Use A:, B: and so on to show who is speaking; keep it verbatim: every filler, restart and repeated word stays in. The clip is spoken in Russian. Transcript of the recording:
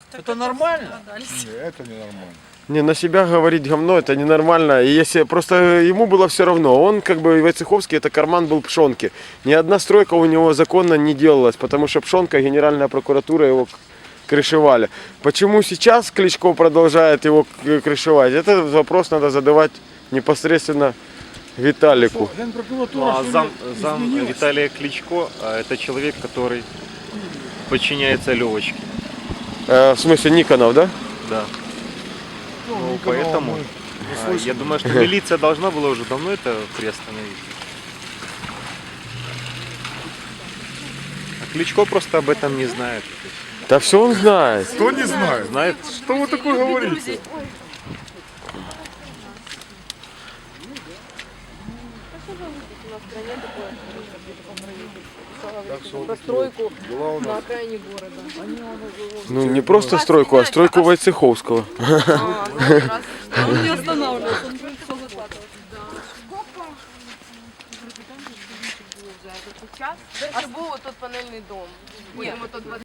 A: Это нормально?
B: Это ненормально.
C: Не, на себя говорить говно это ненормально. И если просто ему было все равно, он как бы Войцеховский, это карман был Пшонки. Ни одна стройка у него законно не делалась, потому что Пшонка, Генеральная прокуратура его крышевали. Почему сейчас Кличко продолжает его к- крышевать? Этот вопрос надо задавать непосредственно Виталику.
A: Ну, а зам, зам Виталия Кличко а, это человек, который подчиняется Левочке.
C: Э, в смысле Никонов, да?
A: Да. Ну, поэтому а, я думаю, что милиция должна была уже давно это приостановить. А Кличко просто об этом не знает.
C: Да все он знает.
B: Кто не знает?
A: Знает?
B: Что вы такое говорите?
D: Про стройку на окраине города.
C: Ну не просто стройку, а стройку Войцеховского.
D: Он не останавливался, он все захватывал. А був тут панельний дом. Будемо тут